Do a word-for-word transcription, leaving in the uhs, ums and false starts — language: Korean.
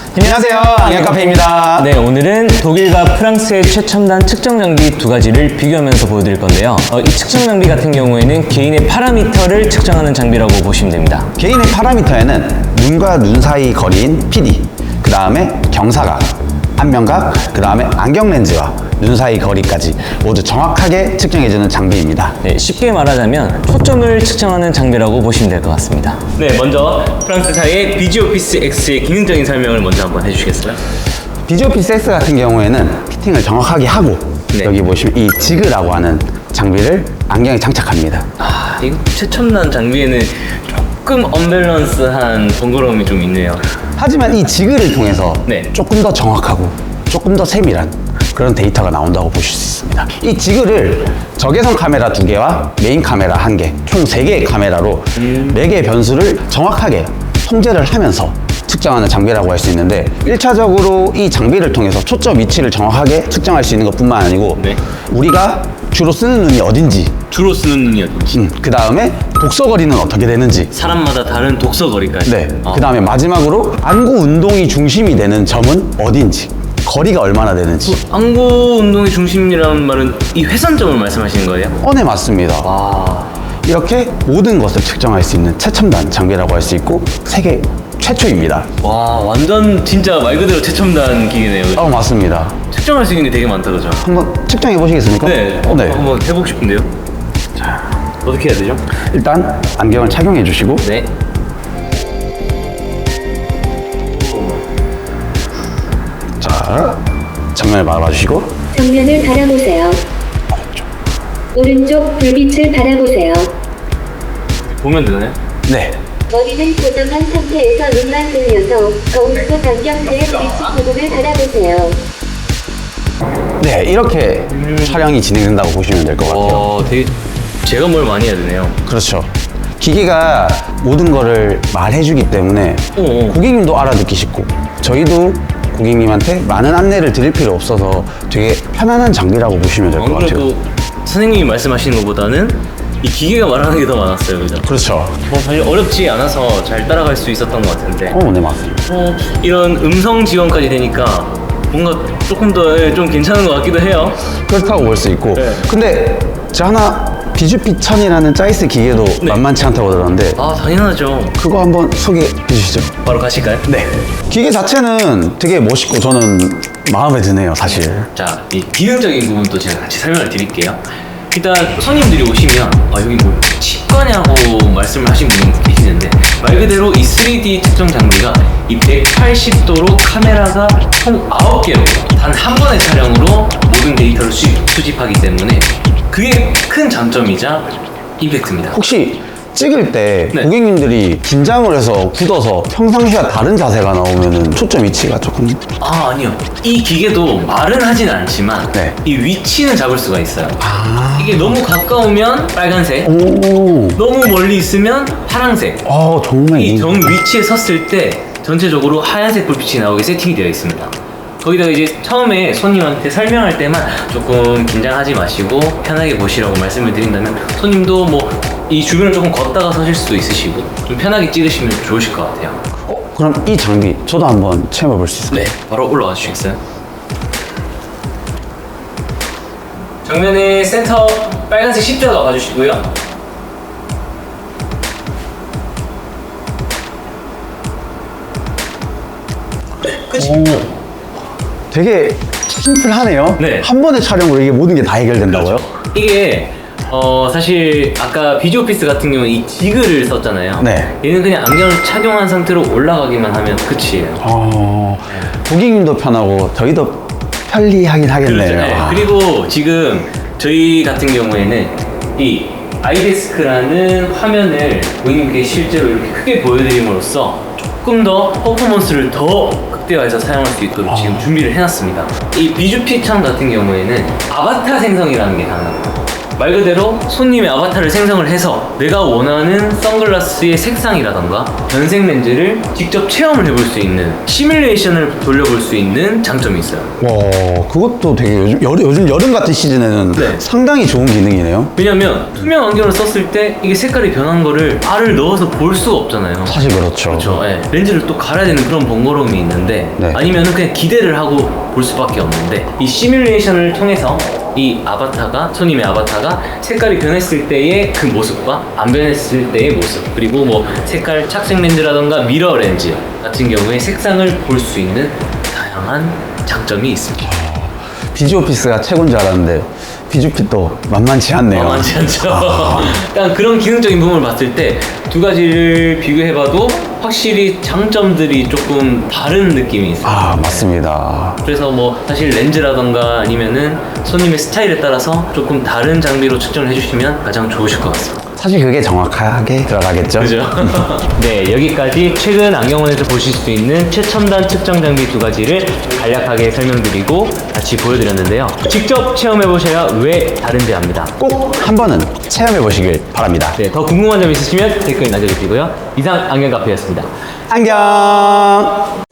안녕하세요, 악역카페입니다. 네, 오늘은 독일과 프랑스의 최첨단 측정 장비 두 가지를 비교하면서 보여드릴 건데요. 어, 이 측정 장비 같은 경우에는 개인의 파라미터를 측정하는 장비라고 보시면 됩니다. 개인의 파라미터에는 눈과 눈 사이 거리인 피디, 그 다음에 경사각, 안면각, 그 다음에 안경 렌즈와 눈 사이 거리까지 모두 정확하게 측정해주는 장비입니다. 네, 쉽게 말하자면 초점을 측정하는 장비라고 보시면 될 것 같습니다. 네, 먼저 프랑스사의 비지오피스 X의 기능적인 설명을 먼저 한번 해주시겠어요? 비지오피스 X 같은 경우에는 피팅을 정확하게 하고 네. 여기 보시면 이 지그라고 하는 장비를 안경에 장착합니다. 아, 이거 최첨단 장비에는 조금 언밸런스한 번거로움이 좀 있네요. 하지만 이 지그를 통해서 네. 조금 더 정확하고 조금 더 세밀한 그런 데이터가 나온다고 보실 수 있습니다. 이 지그를 적외선 카메라 두 개와 메인 카메라 한 개, 총 세 개의 카메라로 네 개의 변수를 정확하게 통제를 하면서 측정하는 장비라고 할 수 있는데, 일 차적으로 이 장비를 통해서 초점 위치를 정확하게 측정할 수 있는 것뿐만 아니고 네. 우리가 주로 쓰는 눈이 어딘지, 주로 쓰는 눈이 어딘지, 음, 그 다음에 독서거리는 어떻게 되는지, 사람마다 다른 독서거리까지. 네. 어. 그 다음에 마지막으로 안구 운동이 중심이 되는 점은 어딘지, 거리가 얼마나 되는지. 안구 운동의 중심이라는 말은 이 회선점을 말씀하시는 거예요? 어, 네, 맞습니다. 아, 이렇게 모든 것을 측정할 수 있는 최첨단 장비라고 할 수 있고 세계 최초입니다. 와, 완전 진짜 말 그대로 최첨단 기기네요. 그죠? 어, 맞습니다. 측정할 수 있는 게 되게 많다, 그죠? 한번 측정해 보시겠습니까? 네, 어, 어, 한번 해보고 싶은데요. 자, 어떻게 해야 되죠? 일단 안경을 착용해 주시고 네. 자, 정면을 바라봐주시고 정면을 바라보세요. 오른쪽 불빛을 바라보세요. 보면 되나요? 네. 머리는 고정한 상태에서 눈만 들려서 거울속 안경테의 빛이 부분을 바라보세요. 네, 이렇게 촬영이 진행된다고 보시면 될 것 같아요. 어, 되게 제가 뭘 많이 해야 되네요. 그렇죠. 기기가 모든 거를 말해주기 때문에 어, 어. 고객님도 알아듣기 쉽고 저희도 고객님한테 많은 안내를 드릴 필요 없어서 되게 편안한 장비라고 보시면 될 것 안 같아요. 그래도 선생님이 말씀하시는 것보다는 이 기계가 말하는 게 더 많았어요, 그죠? 그렇죠. 뭐 사실 어렵지 않아서 잘 따라갈 수 있었던 것 같은데, 어, 네, 맞습니다. 어, 이런 음성 지원까지 되니까 뭔가 조금 더 좀 괜찮은 것 같기도 해요. 그렇다고 볼 수 있고. 네. 근데 저 하나 비주피 천이라는 짜이스 기계도 네. 만만치 않다고 들었는데 아, 당연하죠. 그거 한번 소개해 주시죠. 바로 가실까요? 네. 기계 자체는 되게 멋있고 저는 마음에 드네요, 사실. 자, 이 기능적인 부분도 제가 같이 설명을 드릴게요. 일단 손님들이 오시면 아, 여기 뭐 치과냐고 말씀을 하신 분이 계시는데, 말 그대로 이 쓰리디 측정 장비가 이 백팔십 도로 카메라가 총 아홉 개로 단 한 번의 촬영으로 모든 데이터를 수집, 수집하기 때문에 그게 큰 장점이자 임팩트입니다. 혹시 찍을 때 네. 고객님들이 긴장을 해서 굳어서 평상시와 다른 자세가 나오면은 초점 위치가 조금. 아, 아니요. 이 기계도 말은 하진 않지만 네. 이 위치는 잡을 수가 있어요. 아. 이게 너무 가까우면 빨간색, 오. 너무 멀리 있으면 파란색. 아, 정말. 이 정 위치에 섰을 때 전체적으로 하얀색 불빛이 나오게 세팅이 되어 있습니다. 거기다가 이제 처음에 손님한테 설명할 때만 조금 긴장하지 마시고 편하게 보시라고 말씀을 드린다면, 손님도 뭐 이 주변을 조금 걷다가 서실 수도 있으시고 좀 편하게 찍으시면 좋으실 것 같아요. 어, 그럼 이 장비 저도 한번 체험해 볼 수 있을까요? 네, 바로 올라와 주시겠어요? 정면에 센터 빨간색 십자가 봐주시고요. 네, 끝입니다. 오. 되게 심플하네요. 네. 한 번의 촬영으로 이게 모든 게 다 해결된다고요? 이게 어 사실 아까 비주오피스 같은 경우는 이 지그를 썼잖아요. 네. 얘는 그냥 안경을 착용한 상태로 올라가기만 하면 끝이에요. 어, 고객님도 편하고 저희도 편리하긴 하겠네요. 그렇죠. 네. 아. 그리고 지금 저희 같은 경우에는 이 아이데스크라는 화면을 고객님께 실제로 이렇게 크게 보여드림으로써 조금 더 퍼포먼스를 더 극대화해서 사용할 수 있도록 지금 준비를 해놨습니다. 이 비주피천 같은 경우에는 아바타 생성이라는 게 가능합니다. 말 그대로 손님의 아바타를 생성을 해서 내가 원하는 선글라스의 색상이라던가 변색 렌즈를 직접 체험을 해볼 수 있는 시뮬레이션을 돌려볼 수 있는 장점이 있어요. 와, 그것도 되게 요즘, 여름, 요즘 여름 같은 시즌에는 네. 상당히 좋은 기능이네요. 왜냐면 투명 안경을 썼을 때 이게 색깔이 변한 거를 알을 넣어서 볼 수가 없잖아요. 사실 그렇죠. 그렇죠. 예. 렌즈를 또 갈아야 되는 그런 번거로움이 있는데 네. 아니면은 그냥 기대를 하고 볼 수밖에 없는데 이 시뮬레이션을 통해서 이 아바타가 손님의 아바타가 색깔이 변했을 때의 그 모습과 안 변했을 때의 모습 그리고 뭐 색깔 착색 렌즈라던가 미러 렌즈 같은 경우에 색상을 볼 수 있는 다양한 장점이 있습니다. 비주오피스가 최고인 줄 알았는데 비주핏도 만만치 않네요. 만만치 않죠. 약간 그런 기능적인 부분을 봤을 때 두 가지를 비교해봐도 확실히 장점들이 조금 다른 느낌이 있어요. 아, 맞습니다. 그래서 뭐 사실 렌즈라던가 아니면은 손님의 스타일에 따라서 조금 다른 장비로 측정을 해주시면 가장 좋으실 것 같습니다. 사실 그게 정확하게 들어가겠죠. 그죠? 네, 여기까지 최근 안경원에서 보실 수 있는 최첨단 측정 장비 두 가지를 간략하게 설명드리고 같이 보여드렸는데요. 직접 체험해보셔야 왜 다른지 압니다. 꼭 한 번은 체험해 보시길 바랍니다. 네, 더 궁금한 점 있으시면 댓글 남겨주시고요. 이상 안경카페였습니다. 안녕.